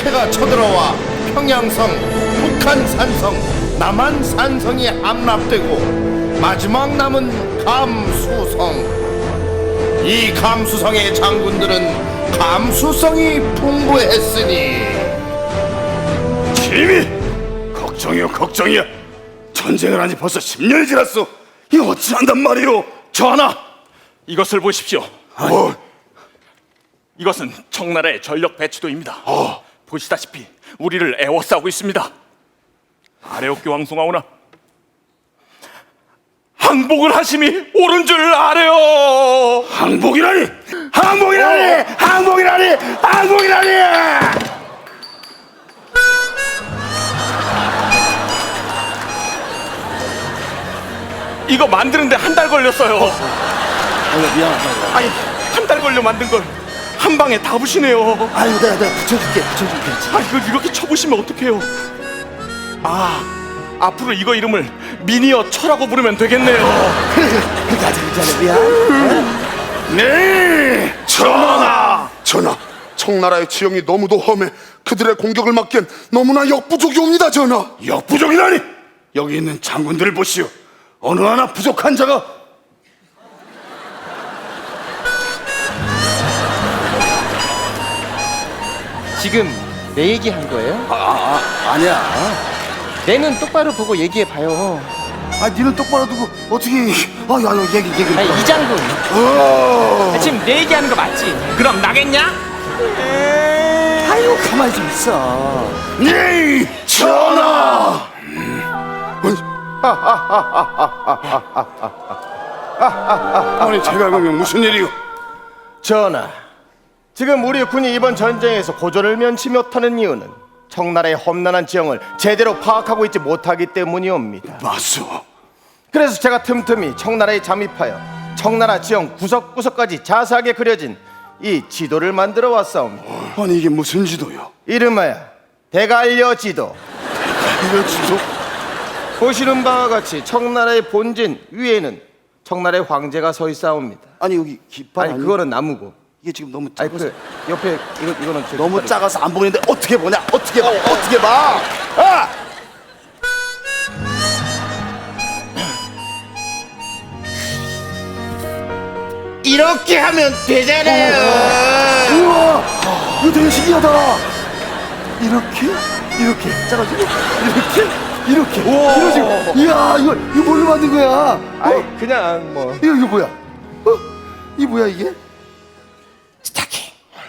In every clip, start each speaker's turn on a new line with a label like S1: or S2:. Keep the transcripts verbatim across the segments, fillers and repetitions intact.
S1: 적폐가 쳐들어와 평양성, 북한산성, 남한산성이 함락되고 마지막 남은 감수성. 이 감수성의 장군들은 감수성이 풍부했으니
S2: 지미! 걱정이요 걱정이야. 전쟁을 한지 벌써 십 년이 지났어. 이거 어찌한단 말이오.
S3: 전하, 이것을 보십시오.
S2: 뭐?
S3: 이것은 청나라의 전력 배치도입니다.
S2: 어.
S3: 보시다시피 우리를 애워싸고 있습니다. 아래옵기 왕송하오나 항복을 하심이 옳은 줄 아래요.
S2: 항복이라니! 항복이라니! 항복이라니! 항복이라니!
S3: 이거 만드는데 한 달 걸렸어요.
S4: 아유 미안하다.
S3: 아니, 한 달 걸려 만든 걸 한 방에 다 부시네요.
S4: 아유 내가 내가 붙여줄게 붙여줄게.
S3: 아, 이걸 이렇게 쳐부시면 어떡해요? 아, 앞으로 이거 이름을 미니어 철하고 부르면 되겠네요.
S4: 그래 그래 그렇게 하자 그렇게 하자 미안.
S2: 네! 전하!
S5: 전하, 청나라의 지형이 너무도 험해 그들의 공격을 막기엔 너무나 역부족이옵니다. 전하.
S2: 역부족이라니! 여기 있는 장군들을 보시오. 어느 하나 부족한 자가
S6: 지금 내 얘기한 거예요?
S4: 아, 아 아니야.
S6: 내 눈 똑바로 보고 얘기해 봐요.
S4: 아 니는 똑바로 두고 어떻게? 아야 얘기 얘기.
S6: 아니 이 장군,
S2: 어...
S6: 아, 지금 내 얘기하는 거 맞지? 그럼 나겠냐?
S4: 아유 가만히 좀 있어.
S2: 네! 전하! 아니 제가 그러면 무슨 일이오?
S1: 전하, 지금 우리 군이 이번 전쟁에서 고조를 면치 못하는 이유는 청나라의 험난한 지형을 제대로 파악하고 있지 못하기 때문이옵니다.
S2: 맞소.
S1: 그래서 제가 틈틈이 청나라에 잠입하여 청나라 지형 구석구석까지 자세하게 그려진 이 지도를 만들어 왔사옵니다.
S2: 아니 이게 무슨 지도요?
S1: 이름하여 대갈려 지도.
S2: 이거 지도?
S1: 보시는 바와 같이 청나라의 본진 위에는 청나라의 황제가 서 있사옵니다.
S4: 아니 여기 깃발
S1: 아니
S4: 아니
S1: 그거는 나무고,
S4: 이게 지금 너무
S1: 아니
S4: 작아서
S1: 그 옆에 이거 이거는 제
S4: 너무
S1: 깃발이고.
S4: 작아서 안 보이는데 어떻게 보냐? 어떻게 봐? 어떻게 봐? 아!
S1: 이렇게 하면 되잖아요.
S4: 우와 이거 되게 신기하다. 이렇게 이렇게 작아지고 이렇게 이렇게 이러지. 이야 이거 이거 뭘로 만든 거야? 어?
S1: 아이 그냥 뭐
S4: 이거 이거 뭐야? 어? 이 뭐야 이게? 스타킹.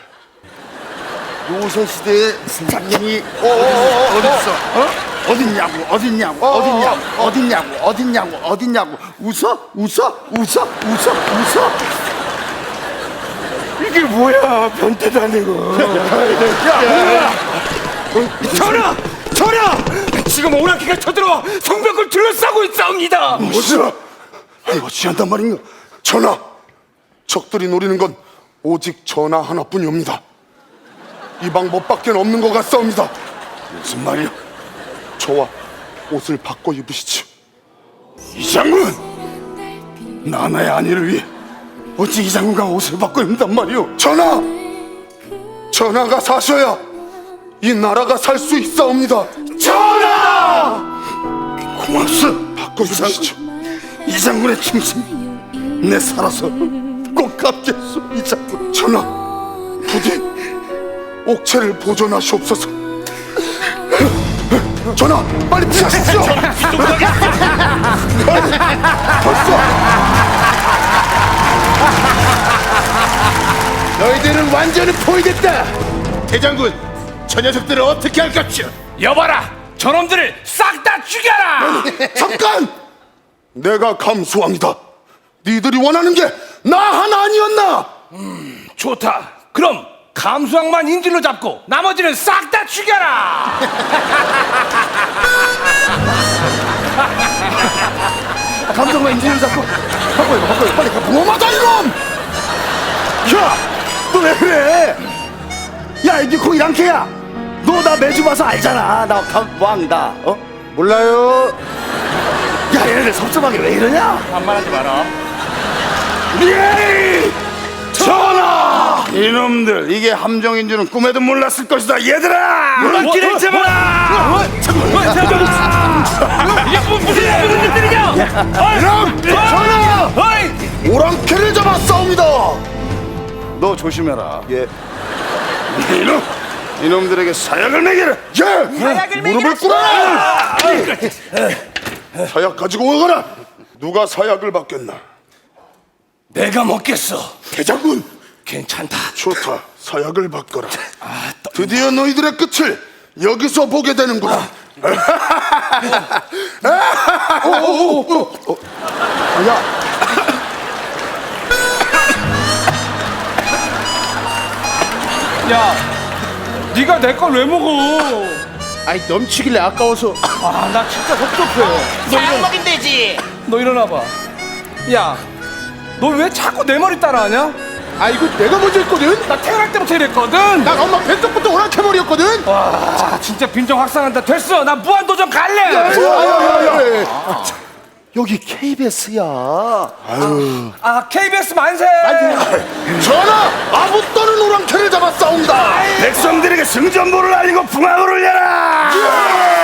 S4: 요새 시대의 스타킹이 어딨어? 어? 어딨냐고 어딨냐고 어딨냐고 어딨냐고 어딨냐고 어딨냐고 웃어 웃어 웃어 웃어 웃어.
S2: 이게 뭐야? 변태도 아니고.
S3: 전하! 전하! 지금 오랑캐가 쳐들어와 성벽을 둘러싸고 있사옵니다.
S2: 뭐야? 아니 어찌한단 말인가?
S5: 전하, 적들이 노리는 건 오직 전하 하나뿐이옵니다. 이 방법밖에 없는 것 같사옵니다.
S2: 무슨 말이야?
S5: 저와 옷을 바꿔 입으시지요.
S2: 이 장군! 나나의 안위를 위해 어찌 이 장군과 옷을 바꿔 입는단 말이오?
S5: 전하, 전하가 사셔야 이 나라가 살 수 있사옵니다.
S2: 전하! 고맙소.
S5: 바꿔 입으시죠.
S2: 이 장군의 충심 내 살아서 꼭 갚겠소. 이 장군.
S5: 전하, 부디 옥체를 보존하시옵소서. 전하, 빨리 피하십시오. 빨리, 벌써.
S1: 너희들은 완전히 포위됐다. 대장군, 저 녀석들을 어떻게 할 것이오?
S3: 여봐라, 저놈들을 싹 다 죽여라.
S5: 잠깐! 내가 감수왕이다. 니들이 원하는 게 나 하나 아니었나?
S3: 좋다. 그럼 감수왕만 인질로 잡고 나머지는 싹 다 죽여라.
S4: 감정만 인지를 잡고 바꿔 입어 바꿔 입어 빨리 가.
S5: 뭐마다 이놈!
S4: 야! 너 왜 그래? 야 이게 거기 랑캐야. 너 나 매주 봐서 알잖아. 나 감왕이다. 어? 몰라요. 야 얘네들 섭섭하게 왜 이러냐?
S3: 반말하지 마라.
S2: 예! 전하! 이놈들 이게 함정인 줄은 꿈에도 몰랐을 것이다. 얘들아, 오랑캐를 잡아라.
S3: 이게 뭐, 무슨 무슨 일들이냐?
S2: 이놈, 전하, 오랑캐를 잡아 싸웁니다. 너 조심해라.
S4: 예.
S2: 이놈, 이놈들에게 사약을 먹여라. 예, 무릎을 꿇어라. 사약 가지고 오거라. 누가 사약을 받겠나?
S3: 내가 먹겠어.
S2: 대장군,
S3: 괜찮다.
S2: 좋다. 사약을 바꿔라. 드디어 너희들의 끝을 여기서 보게 되는구나.
S3: 야, 네가 내 걸 왜 먹어?
S4: 아이 넘치길래 아까워서.
S3: 아, 나 진짜 섭섭해.
S6: 사약 먹인대지.
S3: 너 일어나 봐. 야, 너 왜 자꾸 내 머리 따라하냐?
S4: 아 이거 내가 먼저 했거든.
S3: 나 태어날 때부터 이랬거든.
S4: 난 엄마 뱃속부터 오랑캐 머리였거든.
S3: 와, 진짜 빈정 확산한다. 됐어, 나 무한도전 갈래.
S4: 여기 케이비에스야.
S3: 아, 케이비에스 만세.
S2: 전하, 아부 떠는 오랑캐를 잡아 싸운다. 백성들에게 승전보를 알리고 풍악을 울려라.